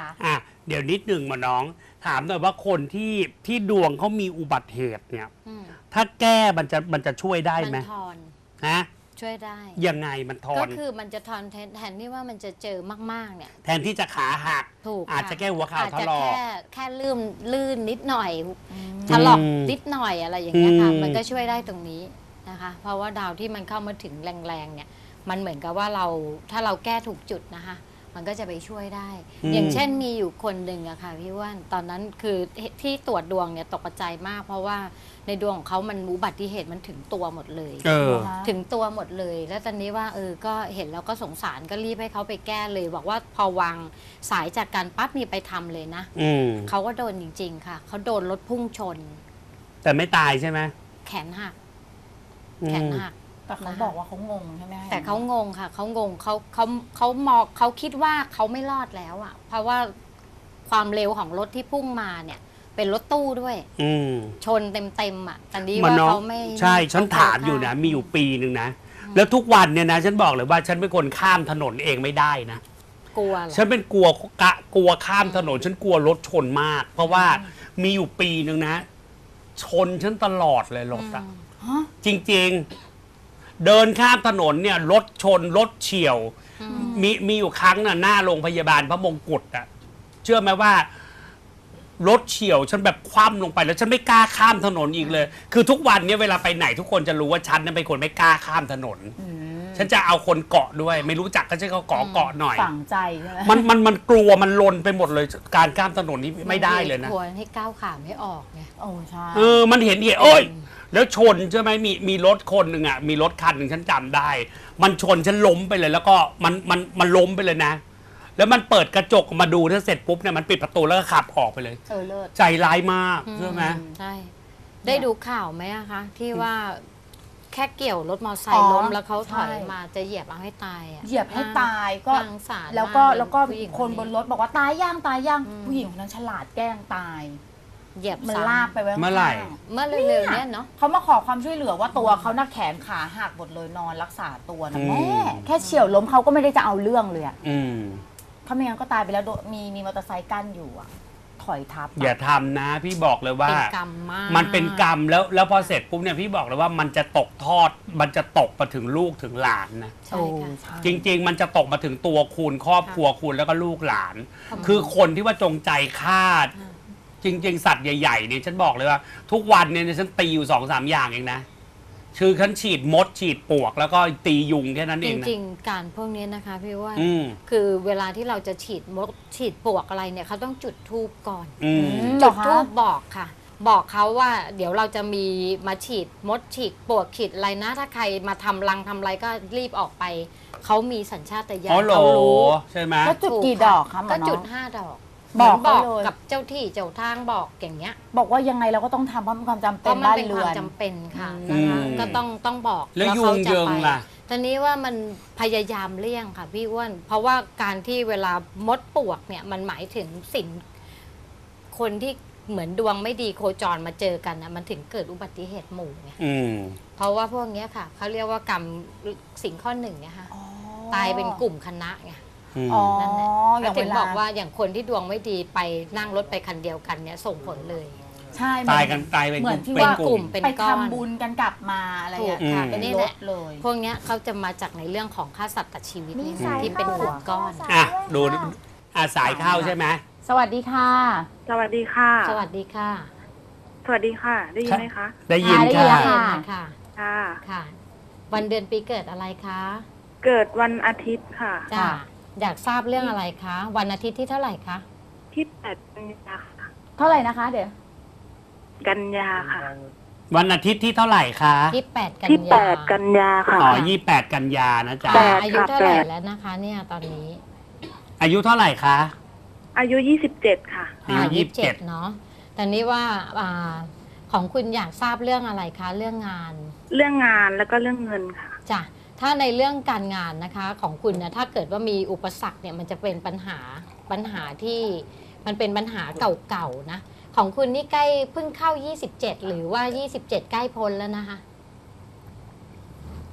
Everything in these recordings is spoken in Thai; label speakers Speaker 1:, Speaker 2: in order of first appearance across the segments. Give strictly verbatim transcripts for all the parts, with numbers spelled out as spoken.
Speaker 1: อ่ะเดี๋ยวนิดหนึ่งมาน้องถามหน่อยว่าคนที่ที่ดวงเขามีอุบัติเหตุเนี่ยถ้าแก้มันจะมันจะช่วยได้ไหม
Speaker 2: มันทอน
Speaker 1: ฮะ
Speaker 2: ช่วยได้
Speaker 1: ยังไงมันทอน
Speaker 2: ก็คือมันจะทอนแทนแทนที่ว่ามันจะเจอมากๆเนี่ย
Speaker 1: แทนที่จะขาหัก
Speaker 2: ถูก
Speaker 1: อาจจะแค่หัวเข่าถลอก
Speaker 2: แค่แค่ลื่นลื่นนิดหน่อยถลอกนิดหน่อยอะไรอย่างเงี้ยค่ะมันก็ช่วยได้ตรงนี้นะคะเพราะว่าดาวที่มันเข้ามาถึงแรงๆเนี่ยมันเหมือนกับว่าเราถ้าเราแก้ถูกจุดนะคะมันก็จะไปช่วยได้อย่างเช่นมีอยู่คนหนึ่งอะค่ะพี่ว่านตอนนั้นคือที่ตรวจดวงเนี่ยตกใจมากเพราะว่าในดวงของเขามันอุบัติเหตุมันถึงตัวหมดเลยเออถึงตัวหมดเลยแล้วตอนนี้ว่าเออก็เห็นแล้วก็สงสารก็รีบให้เขาไปแก้เลยบอกว่าพอวางสายจากการปั๊บมีไปทำเลยนะเขาก็โดนจริงๆค่ะเขาโดนรถพุ่งชน
Speaker 1: แต่ไม่ตายใช่ไหม
Speaker 2: แขนหักแขนหัก
Speaker 3: แต่เขาบอกว่าเขางงใช่ไหม
Speaker 2: แต่เขางงค่ะเขางงเขาเขาเขามองเขาคิดว่าเขาไม่รอดแล้วอ่ะเพราะว่าความเร็วของรถที่พุ่งมาเนี่ยเป็นรถตู้ด้วยชนเต็มๆอ่ะแต่นี้ว่าเขาไม่
Speaker 1: ใช่ฉันถามอยู่นะมีอยู่ปีหนึ่งนะแล้วทุกวันเนี่ยนะฉันบอกเลยว่าฉันเป็นคนข้ามถนนเองไม่ได้นะ
Speaker 2: กลัว
Speaker 1: ฉันเป็นกลัวกะกลัวข้ามถนนฉันกลัวรถชนมากเพราะว่ามีอยู่ปีหนึ่งนะชนฉันตลอดเลยรถอ่ะจริงๆเดินข้ามถนนเนี่ยรถชนรถเฉี่ยวมีมีอยู่ครั้งน่ะหน้าโรงพยาบาลพระมงกุฎอ่ะเชื่อไหมว่ารถเฉี่ยวฉันแบบคว่ำลงไปแล้วฉันไม่กล้าข้ามถนนอีกเลยคือทุกวันนี้เวลาไปไหนทุกคนจะรู้ว่าฉันนั้นเป็นคนไม่กล้าข้ามถนนฉันจะเอาคนเกาะด้วยไม่รู้จักก็จะเขาเกาะเกาะหน่อย
Speaker 3: ฝังใจใช่ไหม
Speaker 1: มันมันมันกลัวมันลนไปหมดเลยการข้ามถนนนี้ไม่ได้เลยนะ
Speaker 2: ควรให้ก้าวขาไม่ออกไง
Speaker 3: โอ้ใช่
Speaker 1: เออมันเห็นเหตุโอ้ยแล้วชนใช่ไหมมีมีรถคนหนึ่งอ่ะมีรถคันหนึ่งฉันจำได้มันชนฉันล้มไปเลยแล้วก็มันมันมันล้มไปเลยนะแล้วมันเปิดกระจกมาดูถ้าเสร็จปุ๊บเนี่ยมันปิดประตูแล้วก็ขับออกไปเลย
Speaker 3: เออเลิศ
Speaker 1: ใจร้ายมากใช่ไหม
Speaker 2: ใช่ได้ดูข่าวไหมอะคะที่ว่าแค่เกี่ยวรถมอเตอร์ไซค์ล้มแล้วเขาถอยมาจะเหยียบเอาให้ตายอะ
Speaker 3: เหยียบให้ตายก็แล้วก็แล้วก็คนบนรถบอกว่าตายย่างตายย่างผู้หญิงคนนั้นฉลาดแกล้งตาย
Speaker 2: เหยียบ
Speaker 3: มันลากไปไว้
Speaker 1: เมื่อไหร่
Speaker 2: เมื่อเร็วๆนี้เนาะ
Speaker 3: เขามาขอความช่วยเหลือว่าตัวเขาหน้าแขนขาหักหมดเลยนอนรักษาตัวนะแม่แค่เฉี่ยวล้มเขาก็ไม่ได้จะเอาเรื่องเลยอ่ะเขาไม่งั้นก็ตายไปแล้วมีมีมอเตอร์ไซค์กั้นอยู่อ่ะถอยทับ
Speaker 1: อย่าทำนะพี่บอกเลยว่า
Speaker 2: เป็นกรรมมาก
Speaker 1: มันเป็นกรรมแล้วแล้วพอเสร็จปุ๊บเนี่ยพี่บอกเลยว่ามันจะตกทอดมันจะตกมาถึงลูกถึงหลานนะ
Speaker 2: ใช่ค่ะ
Speaker 1: จริงๆมันจะตกมาถึงตัวคุณครอบครัวคุณแล้วก็ลูกหลานคือคนที่ว่าจงใจฆ่าจริงๆสัตว์ใหญ่ๆเนี่ยฉันบอกเลยว่าทุกวันเนี่ยฉันตีอยู่สองสามอย่างเองนะคือฉันฉีดมดฉีดปลวกแล้วก็ตียุงแค่นั้นเอง
Speaker 2: นะจริงๆการพวกนี้นะคะพี่ว่าคือเวลาที่เราจะฉีดมดฉีดปลวกอะไรเนี่ยเขาต้องจุดธูปก่อนจุดธูปบอกค่ะบอกเขาว่าเดี๋ยวเราจะมีมาฉีดมดฉีดปลวกฉีดอะไรนะถ้าใครมาทำรังทำอะไรก็รีบออกไปเขามีสัญชาตญาณ
Speaker 1: เขารู้ใช่ไหม
Speaker 3: ก็จุดกี่ดอกคะ
Speaker 2: ก็จุดห้าดอก
Speaker 3: บอก
Speaker 2: บอกกับเจ้าที่เจ้าทางบอกอย่างเงี้ย
Speaker 3: บอกว่ายังไงเราก็ต้องทำเพราะมันความจำเป็น
Speaker 2: บ้านเรือนจำเป็นค่ะนะคะก็ต้องต้องบอก
Speaker 1: แล้วยุงเยิงล่ะ
Speaker 2: ตอนนี้ว่ามันพยายามเลี่ยงค่ะพี่อ้วนเพราะว่าการที่เวลามดปวกเนี่ยมันหมายถึงสิ่งคนที่เหมือนดวงไม่ดีโคจรมาเจอกันนะมันถึงเกิดอุบัติเหตุหมู่ไงเพราะว่าพวกนี้ค่ะเขาเรียกว่ากรรมสิ่งข้อหนึ่งเนี่ยค่ะตายเป็นกลุ่มคณะไงนั่นแหละถึงบอกว่าอย่างคนที่ดวงไม่ดีไปนั่งรถไปคันเดียวกันเนี่ยส่งผลเลย
Speaker 3: ใช่
Speaker 1: ตายกันตายเป็น
Speaker 3: เหมือนที่ว่ากลุ่มไปทำบุญกันกลับมาอะไรอย่างเงี้ยเป็นรถเลย
Speaker 2: พวกนี้เขาจะมาจากในเรื่องของค่าสัตว์ตัดชีวิตที่เป็นกลุ่มก้อน
Speaker 1: อ่ะดูอาสายเข้าใช่ไหม
Speaker 3: สวัสดีค่ะ
Speaker 4: สวัสดีค่ะ
Speaker 2: สวัสดีค่ะ
Speaker 4: สวัสดีค่ะได้ยินไหมคะ
Speaker 1: ได้ยินค่ะ
Speaker 2: ค่ะ
Speaker 4: ค่ะ
Speaker 2: ค่ะวันเดือนปีเกิดอะไรคะ
Speaker 4: เกิดวันอาทิตย์ค่ะ
Speaker 2: จ้าอยากทราบเรื่องอะไรคะวันอาทิตย์ที่เท่าไหร่คะ
Speaker 4: ที่แปดกันยาค่ะ
Speaker 3: เท่าไหร่นะคะเดี๋ยว
Speaker 4: กันยาค่ะ
Speaker 1: วันอาทิตย์ที่เท่าไหร่คะ
Speaker 2: ที่แปดกัน
Speaker 4: ยาที่แปดกันยาค่ะ
Speaker 1: อ๋อยี่แปดกันยานะจ๊ะ
Speaker 2: อายุเท่าไหร่แล้วนะคะเนี่ยตอนนี้
Speaker 1: อายุเท่าไหร่คะ
Speaker 4: อายุยี่สิบเจ็ดค่ะ
Speaker 1: อายุยี่สิบเจ็ด
Speaker 2: เนาะแต่นี้ว่าของคุณอยากทราบเรื่องอะไรคะเรื่องงาน
Speaker 4: เรื่องงานแล้วก็เรื่องเงินค่ะ
Speaker 2: จ้ะถ้าในเรื่องการงานนะคะของคุณนะถ้าเกิดว่ามีอุปสรรคเนี่ยมันจะเป็นปัญหาปัญหาที่มันเป็นปัญหาเก่าๆนะของคุณนี่ใกล้เพิ่งเข้ายี่สิบเจ็ดหรือว่ายี่สิบเจ็ดใกล้พ้นแล้วนะคะ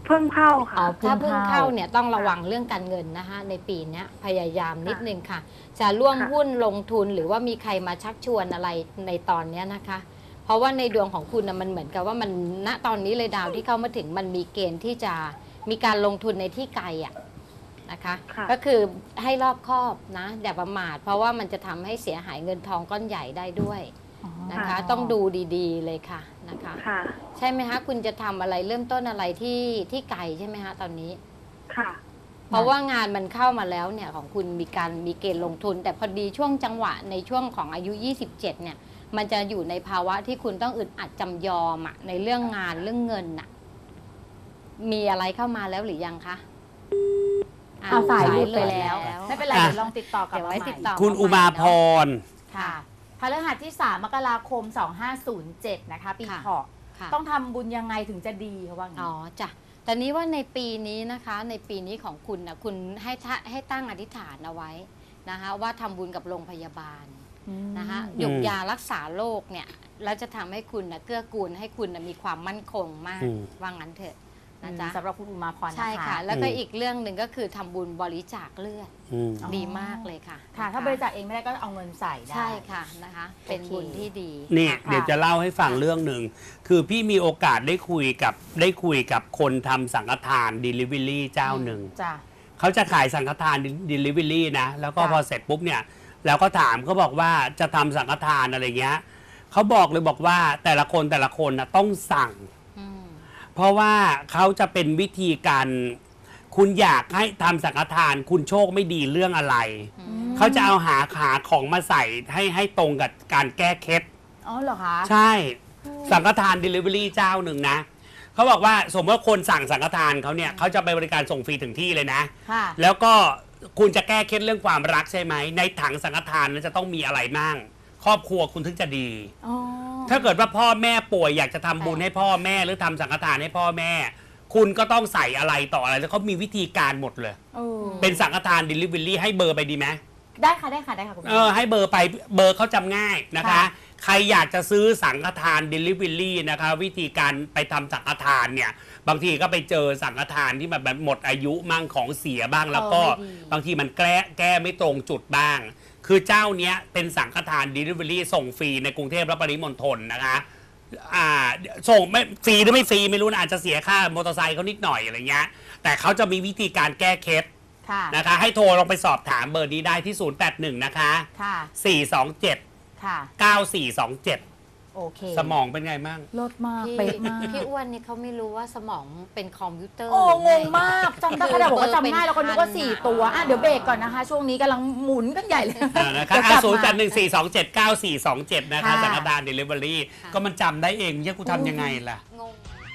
Speaker 4: เพิ่งเข้าค่ะ
Speaker 3: อ๋อ
Speaker 2: ถ้าเพิ่งเข้าเนี่ยต้องระวังเรื่องการเงินนะคะในปีเนี้ยพยายามนิดนึงค่ะ จะร่วม
Speaker 4: ค่ะ
Speaker 2: หุ้นลงทุนหรือว่ามีใครมาชักชวนอะไรในตอนเนี้ยนะคะ เพราะว่าในดวงของคุณนะมันเหมือนกับว่ามันณตอนนี้เลยดาวที่เข้ามาถึงมันมีเกณฑ์ที่จะมีการลงทุนในที่ไกลอ่ะนะคะ
Speaker 4: ค่ะ
Speaker 2: ก็คือให้รอบคอบนะอย่าประมาทเพราะว่ามันจะทำให้เสียหายเงินทองก้อนใหญ่ได้ด้วยนะคะ ต้องดูดีๆเลยค่ะนะคะ
Speaker 4: ค่ะ
Speaker 2: ใช่ไหมคะคุณจะทำอะไรเริ่มต้นอะไรที่ที่ไกลใช่ไหมคะตอนนี้
Speaker 4: ค่ะ
Speaker 2: เพราะว่างานมันเข้ามาแล้วเนี่ยของคุณมีการมีเกณฑ์ลงทุน แต่พอดีช่วงจังหวะในช่วงของอายุ ยี่สิบเจ็ด เนี่ยมันจะอยู่ในภาวะที่คุณต้องอึดอัดจำยอมอะในเรื่องงานเรื่องเงินน่ะมีอะไรเข้ามาแล้วหรือยังคะ
Speaker 3: เอาสายหลุด
Speaker 2: เล
Speaker 3: ไป
Speaker 2: ย
Speaker 3: แล้ว
Speaker 2: แล้ว
Speaker 3: ไม่เป็นไร
Speaker 1: อ่ะ
Speaker 3: เดี๋ยวลองติดต่อกลับ
Speaker 2: เดี๋ยว
Speaker 3: มา
Speaker 2: ไว้
Speaker 3: ใหม่
Speaker 2: ติดต่อ
Speaker 1: คุณอุมาพร
Speaker 3: ค่ะพฤหัสที่สามมกราคมสองห้าศูนย์เจ็ดนะคะปีเถาะ
Speaker 2: ค่ะ
Speaker 3: ต้องทำบุญยังไงถึงจะดีเขาว่างั้น
Speaker 2: อ๋อจ้ะแต่นี้ว่าในปีนี้นะคะ ในปีนี้ของคุณนะคุณให้ทะให้ตั้งอธิษฐานเอาไว้นะคะว่าทำบุญกับโรงพยาบาล นะคะหยกยารักษาโรคเนี่ยแล้วจะทำให้คุณนะเกื้อกูลให้คุณนะมีความมั่นคงมาก
Speaker 1: อืม
Speaker 2: ว่างั้นเถอะ
Speaker 3: นะ
Speaker 2: นะ
Speaker 3: จ๊ะ
Speaker 2: จ๊ะ
Speaker 3: สำหรับคุณอุมาพรนะคะ
Speaker 2: ใช่ค่ะ แล้วก็
Speaker 1: อืม
Speaker 2: อีกเรื่องหนึ่งก็คือทำบุญบริจาคเลือด
Speaker 1: อืม
Speaker 3: อ๋อ
Speaker 2: ดีมากเลยค่ะ
Speaker 3: ค่ะ ถ้า
Speaker 2: นะคะ
Speaker 3: บริจาคเองไม่ได้ก็เอาเงินใส่ได้
Speaker 2: ใช่ค่ะนะคะ เป็น
Speaker 3: โอเค
Speaker 2: บุญที่ดี
Speaker 1: เนี่ย
Speaker 3: ค่ะ
Speaker 1: เดี๋ยวจะเล่าให้ฟังเรื่องหนึ่ง คือพี่มีโอกาสได้คุยกับได้คุยกับคนทำสังฆทาน Delivery เจ้าหนึ่ง
Speaker 3: จ้ะ
Speaker 1: เขาจะขายสังฆทาน Delivery นะ แล้วก็
Speaker 3: ค่ะ
Speaker 1: พอเสร็จปุ๊บเนี่ย แล้วก็ถามเขาบอกว่าจะทำสังฆทานอะไรเงี้ยเขาบอกเลยบอกว่าแต่ละคนแต่ละคนนะต้องสั่ง
Speaker 2: อืม
Speaker 1: เพราะว่าเขาจะเป็นวิธีการ คุณอยากให้ทำสังฆทาน คุณโชคไม่ดีเรื่องอะไร เขาจะเอาหาขาของมาใส่ให้ให้ตรงกับการแก้เคล็ด
Speaker 3: อ๋อเหรอคะ
Speaker 1: ใช่สังฆทาน Delivery เจ้าหนึ่งนะเขาบอกว่าสมมติว่าคนสั่งสังฆทานเขาเนี่ยเขาจะไปบริการส่งฟรีถึงที่เลยนะ
Speaker 3: ค่ะ
Speaker 1: แล้วก็คุณจะแก้เคล็ดเรื่องความรักใช่ไหมในถังสังฆทานนั้นจะต้องมีอะไรมั่งครอบครัวคุณถึงจะดี
Speaker 3: อ๋อ
Speaker 1: ถ้าเกิดว่าพ่อแม่ป่วยอยากจะทำบุญให้พ่อแม่หรือทำสังฆทานให้พ่อแม่ คุณก็ต้องใส่อะไรต่ออะไรแล้วเขามีวิธีการหมดเลย
Speaker 3: เออ
Speaker 1: เป็นสังฆทาน Delivery ให้เบอร์ไปดีไหม
Speaker 3: ได้ค่ะได้ค่ะได้ค่ะคุณ
Speaker 1: เออให้เบอร์ไปเบอร์เขาจำง่ายนะคะ
Speaker 3: ค่ะ
Speaker 1: ใครอยากจะซื้อสังฆทาน Delivery นะคะ วิธีการไปทำสังฆทานเนี่ยบางทีก็ไปเจอสังฆทานที่มันแบบหมดอายุมั่งของเสียบ้างแล้วก็
Speaker 3: เออไม่ดี
Speaker 1: บางทีมันแก้แก้ไม่ตรงจุดบ้าง คือเจ้าเนี้ยเป็นสังฆทาน Delivery ส่งฟรีในกรุงเทพและปริมณฑลนะคะอ่าส่งไม่ฟรีหรือไม่ฟรีไม่รู้นะอาจจะเสียค่ามอเตอร์ไซค์เขานิดหน่อยอะไรเงี้ยแต่เขาจะมีวิธีการแก้เคล็ด
Speaker 3: ค่ะ
Speaker 1: นะคะให้โทรลองไปสอบถามเบอร์นี้ได้ที่ ศูนย์ แปด หนึ่ง นะคะ
Speaker 3: ค่ะ
Speaker 1: สี่ สอง เจ็ด
Speaker 3: ค่ะ
Speaker 1: เก้า สี่ สอง เจ็ด
Speaker 3: โอเค
Speaker 1: สมองเป็นไงมั่ง
Speaker 3: ลดมาก
Speaker 2: พี่
Speaker 3: เป๊ะมาก
Speaker 2: พี่อ้วนนี่เขาไม่รู้ว่าสมองเป็นคอมพิวเตอร์
Speaker 3: โอ้
Speaker 2: หรื
Speaker 3: ง
Speaker 2: ไ
Speaker 3: งมากจำได้ขนาดบอกว่าจำง่ายแล้วก็นึกว่าสี่ตัวอ่ะเดี๋ยวเบรกก่อนนะคะ ช่วงนี้กำลังหมุนกันใหญ่เลย
Speaker 1: อ่านะคะ
Speaker 3: เดี๋ยวกลับ
Speaker 1: ศูนย์ แป
Speaker 3: มา
Speaker 1: ด หนึ่ง สี่ สอง เจ็ด เก้า สี่ สอง เจ็ด นะคะ
Speaker 3: ค่ะ
Speaker 1: สังฆทาน Delivery ก็มันจำได้เองเนี่ยกูทำยังไงล่ะ
Speaker 2: งง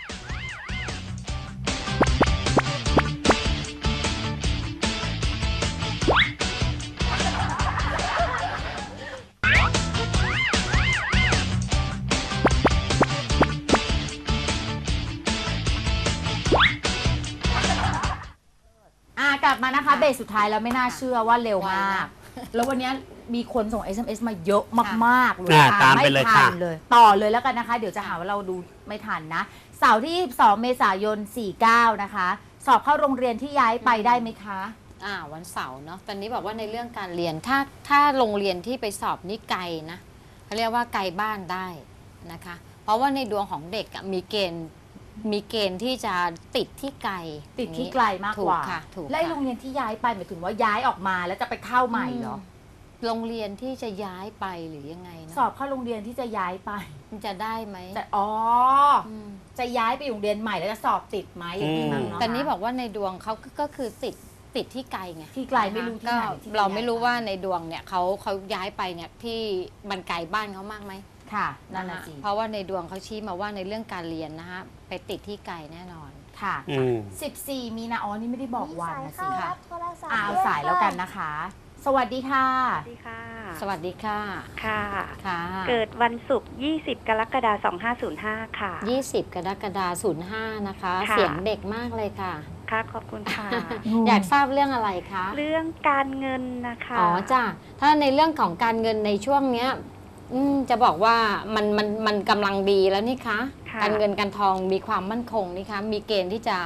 Speaker 3: อ่ากลับมานะคะเบรกสุดท้ายแล้วไม่น่าเชื่อว่าเร็วมาก
Speaker 2: ไวนะ
Speaker 3: แล้ววันนี้มีคนส่ง เอส เอ็ม เอส มาเยอะมากๆเลย
Speaker 1: อ่า
Speaker 3: อ่ะ
Speaker 1: ตามไปเลย
Speaker 3: ไม่ทั
Speaker 1: ค่ะ
Speaker 3: นเลย ต่อเลยแล้วกันนะคะ เดี๋ยวจะหาว่าเราดูไม่ทันนะ เสาร์ที่สองเมษายนสี่สิบเก้านะคะ สอบเข้าโรงเรียนที่ย้ายไปได้ไหมคะ
Speaker 2: อ่าวันเสาร์เนาะตอนนี้บอกว่าในเรื่องการเรียนถ้าถ้าโรงเรียนที่ไปสอบนี่ไกลนะเขาเรียกว่าไกลบ้านได้นะคะ เพราะว่าในดวงของเด็กอะมีเกณฑ์มีเกณฑ์ที่จะติดที่ไกล
Speaker 3: ติดที่ไกลมากกว่า
Speaker 2: ถูค่ะถูก
Speaker 3: และไอ้
Speaker 2: ค่ะ
Speaker 3: โรงเรียนที่ย้ายไปหมายถึงว่าย้ายออกมาแล้วจะไปเข้าใหม่เหรอ
Speaker 2: มโรงเรียนที่จะย้ายไปหรือยังไงนะ
Speaker 3: สอบเข้าโรงเรียนที่จะย้ายไป
Speaker 2: มันจะได้ไหม
Speaker 3: แต่อ๋อ
Speaker 2: อืม
Speaker 3: จะย้ายไปโรงเรียนใหม่แล้วจะสอบติดไหมอย่างนี้มั้งเนาะ
Speaker 2: แต่นี้บอกว่าในดวงเขาก็ก็คือติดติดที่ไกลไง
Speaker 3: ที่ไกลไม่รู้ที่
Speaker 2: ก็
Speaker 3: ไหนที่
Speaker 2: เราไม่รู้
Speaker 3: ย้ยป
Speaker 2: ว่าในดวงเนี่ยเขาเขาย้ายไปเนี่ยที่มันไกลบ้านเขามากไหม
Speaker 3: ค่ะนั่นน่ะ
Speaker 2: ค
Speaker 3: สิ
Speaker 2: เพราะว่าในดวงเขาชี้มาว่าในเรื่องการเรียนนะฮะไปติดที่ไกลแน่นอน
Speaker 3: ค่ะ
Speaker 1: อืม
Speaker 3: สิบสี่มีนาอ๋อนี่ไม่ได้บอกวันนะสิ
Speaker 2: ค่ะ
Speaker 3: อ่าเอาสายแล้วกันนะคะ สวัสดีค่ะ
Speaker 4: สวัสดีค่ะ
Speaker 2: สวัสดีค่ะ
Speaker 4: ค่ะ
Speaker 2: ค่ะ
Speaker 4: เกิดวันศุกร์ยี่สิบกรกฎาคมสองห้าศูนย์ห้าค่ะ
Speaker 2: ยี่สิบกรกฎาคมศูนย์ห้านะคะ
Speaker 4: ค่ะ
Speaker 2: เสียงเด็กมากเลยค่ะ
Speaker 4: ค่ะ ขอบคุณค่ะ
Speaker 2: อยากทราบเรื่องอะไรคะ
Speaker 4: เรื่องการเงินนะคะ
Speaker 2: อ๋อจ้ะถ้าในเรื่องของการเงินในช่วงเนี้ยอืมจะบอกว่ามันมันมันกำลังดีแล้วนี่คะ
Speaker 4: ค่ะ
Speaker 2: การเงินการทองมีความมั่นคงนี่คะมีเกณฑ์ที่จะ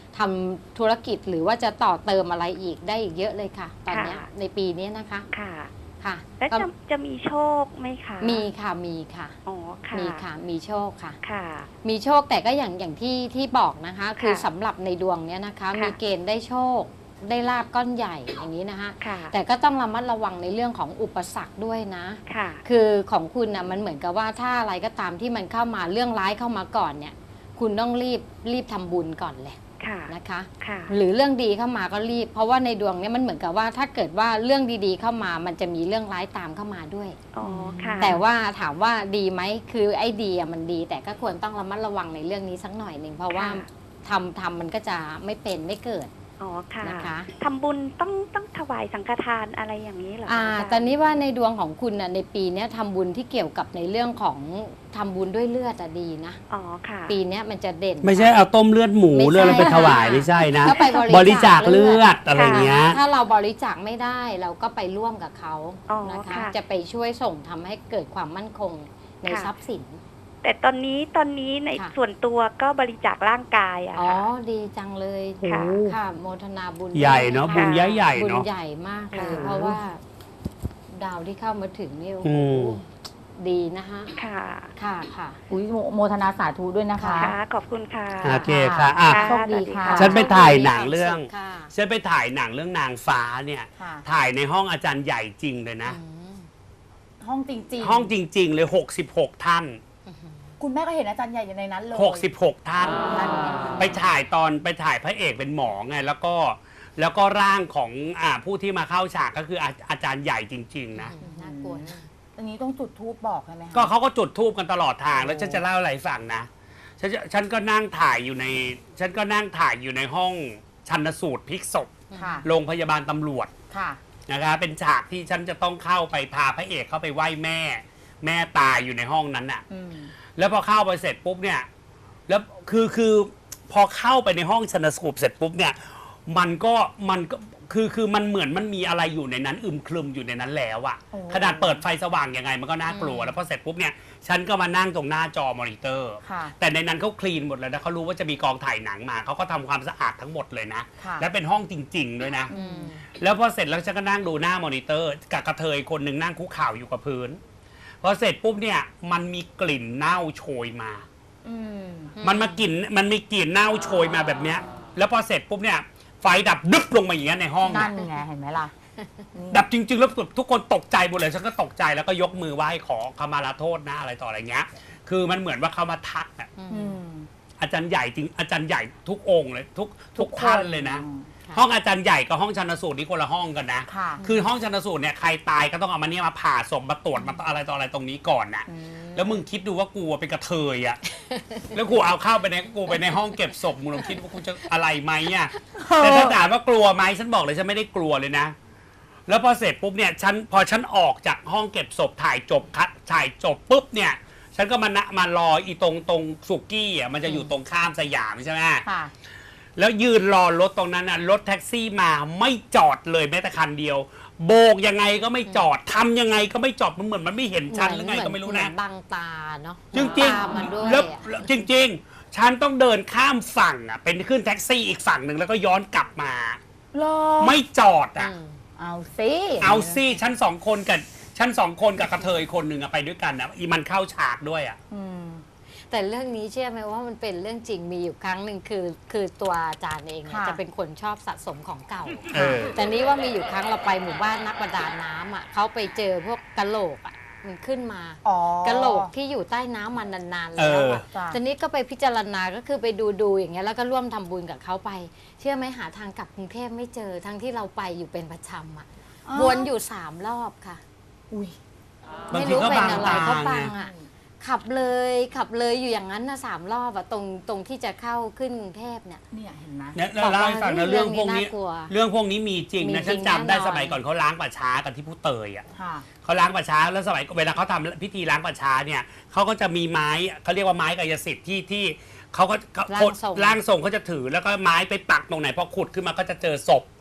Speaker 2: ทำธุรกิจหรือว่าจะต่อเติมอะไรอีกได้อีกเยอะเลยค่ะ ตอนเนี้ย
Speaker 4: ค่ะ
Speaker 2: ในปีนี้นะคะ
Speaker 4: ค่ะ
Speaker 2: ค่ะ
Speaker 4: แล้ว
Speaker 2: ก็
Speaker 4: จะจะมีโชคไหมคะ
Speaker 2: มีค่ะมีค่ะ
Speaker 4: อ๋อค่ะ
Speaker 2: มีค่ะมีโชคค่ะ
Speaker 4: ค่ะ
Speaker 2: มีโชคแต่ก็อย่างอย่างที่ที่บอกนะคะ คือ
Speaker 4: ค่ะ
Speaker 2: สำหรับในดวงเนี้ยนะคะ
Speaker 4: ค่ะ
Speaker 2: มีเกณฑ์ได้โชค ได้ลาบก้อนใหญ่อย่างนี้นะคะ
Speaker 4: ค่ะ
Speaker 2: แต่ก็ต้องระมัดระวังในเรื่องของอุปสรรคด้วยนะ
Speaker 4: ค่ะ
Speaker 2: คือของคุณนะมันเหมือนกับว่าถ้าอะไรก็ตามที่มันเข้ามาเรื่องร้ายเข้ามาก่อนเนี่ย คุณต้องรีบรีบทำบุญก่อนแหละ
Speaker 4: ค่ะ
Speaker 2: นะคะ
Speaker 4: ค่ะ
Speaker 2: หรือเรื่องดีเข้ามาก็รีบ เพราะว่าในดวงเนี้มันเหมือนกับว่าถ้าเกิดว่าเรื่องดีๆเข้ามา มันจะมีเรื่องร้ายตามเข้ามาด้วย
Speaker 4: อ๋อ ค่ะ
Speaker 2: แต่ว่าถามว่าดีไหมคือไอ้ดีอะมันดี แต่ก็ควรต้องระมัดระวังในเรื่องนี้สักหน่อยหนึ่งเพราะว่า
Speaker 4: ค่ะ
Speaker 2: ทำทำมันก็จะไม่เป็นไม่เกิด
Speaker 4: อ๋อ ค่ะ
Speaker 2: นะคะ
Speaker 4: ทำบุญต้องต้องถวายสังฆทานอะไรอย่างนี้เหรอคะ
Speaker 2: อ่า
Speaker 4: อาจารย์
Speaker 2: ตอนนี้ว่าในดวงของคุณน่ะในปีเนี้ยทำบุญที่เกี่ยวกับในเรื่องของทำบุญด้วยเลือดอะดีนะ
Speaker 4: อ๋อ ค่ะ
Speaker 2: ปีเนี้ยมันจะเด่น
Speaker 1: ไม่ใช่เอาต้มเลือดหมู
Speaker 2: ไม่ใช่
Speaker 1: เลือดอะไรไปถวาย
Speaker 2: ค่ะ
Speaker 1: ไม่ใช่นะ
Speaker 2: ก็ไป
Speaker 1: บบ
Speaker 2: ริ
Speaker 1: ริ
Speaker 2: จา
Speaker 1: จา
Speaker 2: ค
Speaker 1: ค
Speaker 2: เลื
Speaker 1: เลื
Speaker 2: อ
Speaker 1: อ
Speaker 2: ด
Speaker 1: ดอะไรเงี้ย
Speaker 2: ถ้าเราบริจาคไม่ได้เราก็ไปร่วมกับเขา
Speaker 4: อ๋อ
Speaker 2: นะคะ
Speaker 4: ค่ะ
Speaker 2: จะไปช่วยส่งทำให้เกิดความมั่นคงใน
Speaker 4: ค่ะ
Speaker 2: ทรัพย์สิน
Speaker 4: แต่ตอนนี้ตอนนี้ใน
Speaker 2: ค่ะ
Speaker 4: ส่วนตัวก็บริจาคร่างกายอะ
Speaker 2: อ๋อ
Speaker 4: ค่ะ
Speaker 2: ดีจังเลย
Speaker 4: ค่ะ
Speaker 2: ค่ะโมทนาบุญ
Speaker 1: ใหญ่เนาะ
Speaker 2: ด้วย
Speaker 1: บุญ
Speaker 2: ค่
Speaker 1: ใหญ่ๆ
Speaker 2: บุญ
Speaker 1: เนาะ
Speaker 2: ใหญ่มากเลย
Speaker 4: ค่ะ
Speaker 2: เพราะว่า ดาวที่เข้ามาถึงนี่โอ้
Speaker 1: อื
Speaker 2: โห
Speaker 1: ม
Speaker 2: ดีนะคะ
Speaker 4: ค่ะ
Speaker 2: ค่ะค่ะ
Speaker 3: อุ้ยโมโมทนาสาธุด้วยนะคะ
Speaker 4: ค่ะ ขอบคุณค่ะ
Speaker 1: โอเคค่ะอ่ะ
Speaker 3: โชคดีค่ะ
Speaker 1: ฉันไปถ่ายหนังเรื่อง
Speaker 2: ค่ะ
Speaker 1: ฉันไปถ่ายหนังเรื่องนางฟ้าเนี่ย
Speaker 3: ค่ะ
Speaker 1: ถ่ายในห้องอาจารย์ใหญ่จริงเลยนะ
Speaker 2: อืม
Speaker 3: ห้องจริงๆ
Speaker 1: ห้องจริง ๆ เลย หกสิบหก ท่าน
Speaker 3: คุณแม่ก็เห็นอาจารย์ใหญ่อยู่ในนั้นเลย
Speaker 1: หกสิบหก ท่าน
Speaker 3: นั่นไง
Speaker 1: ไปถ่ายตอนไปถ่ายพระเอกเป็นหมอไง แล้วก็แล้วก็ร่างของอ่าผู้ที่มาเข้าฉากก็คืออาอาจารย์ใหญ่จริง ๆ นะ
Speaker 2: น่ากลัวนะ
Speaker 3: อันนี้ต้องจุดธูปบอกใช่ไหมคะ
Speaker 1: ก็เขาก็จุดธูปกันตลอดทางแล้วฉันจะเล่าอะไรให้ฟังนะฉันจะฉันก็นั่งถ่ายอยู่ใน ฉันก็นั่งถ่ายอยู่ในห้องชันสูตรพลิกศพ
Speaker 3: ค่ะ
Speaker 1: โรงพยาบาลตำรวจ
Speaker 3: ค่ะ
Speaker 1: นะคะเป็นฉากที่ฉันจะต้องเข้าไปพาพระเอกเข้าไปไหว้แม่ แม่ตายอยู่ในห้องนั้นน่ะ
Speaker 3: อืม
Speaker 1: แล้วพอเข้าไปเสร็จปุ๊บเนี่ยแล้วคือคือพอเข้าไปในห้องชันสูตรเสร็จปุ๊บเนี่ยมันก็มันก็คือคือมันเหมือนมันมีอะไรอยู่ในนั้นอึมครึมอยู่ในนั้นแล้วอะ
Speaker 3: โอ้
Speaker 1: ขนาดเปิดไฟสว่างยังไงมันก็น่ากลัว แล้วพอเสร็จปุ๊บเนี่ยฉันก็มานั่งตรงหน้าจอมอนิเตอร์
Speaker 3: ค่ะ
Speaker 1: แต่ในนั้นเขาคลีนหมดเลยนะเขารู้ว่าจะมีกองถ่ายหนังมาเขาก็ทำความสะอาดทั้งหมดเลยนะ
Speaker 3: ค่ะ
Speaker 1: และเป็นห้องจริง ๆ ด้วยนะ
Speaker 2: อืม
Speaker 1: แล้วพอเสร็จแล้วฉันก็นั่งดูหน้ามอนิเตอร์กับกระเทยคนหนึ่งนั่งคุกเข่าอยู่กับพื้นพอเสร็จปุ๊บเนี่ยมันมีกลิ่นเน่าโชยมา
Speaker 3: อืม
Speaker 1: มันมากลิ่นมันมีกลิ่นเน่าโชยมาแบบเนี้ยแล้วพอเสร็จปุ๊บเนี่ยไฟดับดึบลงมาอย่างเงี้ยในห้อง
Speaker 3: นั่
Speaker 1: เนี่ย
Speaker 3: นไงเห็นไหมล่ะ
Speaker 1: ดับจริง ๆ แล้วทุกคนตกใจหมดเลยฉันก็ตกใจแล้วก็ยกมือไหว้ขอขมาลาโทษนะอะไรต่ออะไรเงี้ยคือมันเหมือนว่าเขามาทักอะ
Speaker 3: อืม
Speaker 1: อาจารย์ใหญ่จริงอาจารย์ใหญ่ทุกองค์เลยทุกทุกท่านเลยนะ
Speaker 3: อืม
Speaker 2: ค่ะ
Speaker 1: ห้องอาจารย์ใหญ่กับห้องชันสูตรนี่คนละห้องกันนะ
Speaker 3: ค่ะ
Speaker 1: คือห้องชันสูตรเนี่ยใครตายก็ต้องเอามาเนี่ยมาผ่าศพมาตรวจมาอะไรต่ออะไรตรงนี้ก่อนนะ
Speaker 3: อืม
Speaker 1: แล้วมึงคิดดูว่ากูเป็นกระเทยอะ แล้วกูเอาเข้าไปในกูไปในห้องเก็บศพมึงลองคิดว่ากูจะอะไรไหมอะแต่ถ้าถามว่ากลัวไหมฉันบอกเลยฉันไม่ได้กลัวเลยนะ แล้วพอเสร็จปุ๊บเนี่ยฉันพอฉันออกจากห้องเก็บศพถ่ายจบคัดถ่ายจบปุ๊บเนี่ยฉันก็มานะมารออีตรงตรงสุกี้อ่ะมันจะอยู่ตรงข้ามสยามใช่ไหม
Speaker 3: ค่ะ
Speaker 1: แล้วยืนรอรถตรงนั้นน่ะรถแท็กซี่มาไม่จอดเลยแม้แต่คันเดียว โบกยังไงก็ไม่จอดทำยังไงก็ไม่จอดมันเหมือนมันไม่เห็นฉันหรือไงก็ไม่รู้นะ
Speaker 2: เหอนบังตาเนาะ
Speaker 1: จริง
Speaker 2: ตามมาด้วย
Speaker 1: ๆแล้ว
Speaker 2: อะ
Speaker 1: แล้วจริง ๆ ฉันต้องเดินข้ามฝั่งอ่ะเป็นขึ้นแท็กซี่อีกฝั่งหนึ่งแล้วก็ย้อนกลับมา
Speaker 3: รอ
Speaker 1: ไม่จอดอ่ะ
Speaker 2: อืม
Speaker 3: เอาสิ
Speaker 1: เอาซี่ชั้นสองคนกับชั้นสองคนกับกระเทยคนหนึ่งอะไปด้วยกันนะอีมันเข้าฉากด้วยอะ
Speaker 3: อืม
Speaker 2: แต่เรื่องนี้เชื่อไหมว่ามันเป็นเรื่องจริงมีอยู่ครั้งหนึ่งคือ คือตัวอาจารย์เองเนี่ย
Speaker 3: ค่ะ
Speaker 2: จะเป็นคนชอบสะสมของเก่า
Speaker 1: เออ
Speaker 2: แต่นี้ว่ามีอยู่ครั้งเราไปหมู่บ้านนักประดาน้ำอ่ะเขาไปเจอพวกกะโหลกอ่ะมันขึ้นมา
Speaker 3: อ๋อก
Speaker 2: ะโหลกที่อยู่ใต้น้ำมานานๆ
Speaker 1: เอ
Speaker 2: แล้ว
Speaker 1: อ
Speaker 2: อะ
Speaker 3: จ้ะ
Speaker 2: ตอนนี้ก็ไปพิจารณาก็คือไปดูดูอย่างเงี้ยแล้วก็ร่วมทำบุญกับเขาไป เชื่อไหมหาทางกลับกรุงเทพไม่เจอทั้งที่เราไปอยู่เป็นประจำอ่ะวนอยู่สามรอบค่ะ
Speaker 3: อุ้ย
Speaker 1: บาง
Speaker 2: ไม่
Speaker 1: ที
Speaker 2: รู้
Speaker 1: ก็
Speaker 2: เป็น
Speaker 1: บาง
Speaker 2: อะไร
Speaker 1: ตา
Speaker 2: เขา
Speaker 1: ไง
Speaker 2: ปังอ่ะขับเลยขับเลยอยู่อย่างนั้นนะสามรอบอะตรงตรงที่จะเข้าขึ้นกรุงเทพเนี่ย
Speaker 3: เนี่ยเห็นไหม
Speaker 1: เนี่ยแล้วเล่าให้ฟังนะ
Speaker 2: เรื่
Speaker 1: เรื่อ
Speaker 2: อง ง
Speaker 1: พวกนี้
Speaker 2: นี้น่ากลัว
Speaker 1: เรื่องพวกนี้มีจริง
Speaker 2: มี
Speaker 1: นะ
Speaker 2: จริ
Speaker 1: ฉั
Speaker 2: ง
Speaker 1: นจำได้
Speaker 2: แน่นอน
Speaker 1: สมัยก่อนเขาล้างป่าช้ากันที่ผู้เตยอะ
Speaker 3: ค่ะ
Speaker 1: เขาล้างป่าช้าแล้วสมัยเวลาเขาทำพิธีล้างป่าช้าเนี่ยเขาก็จะมีไม้เขาเรียกว่าไม้กายสิทธิ์ที่ที่เขาก็เขา
Speaker 2: ร่างทรง
Speaker 1: ร่างทรงเขาจะถือแล้วก็ไม้ไปปักตรงไหนพอขุดขึ้นมาก็จะเจอศพ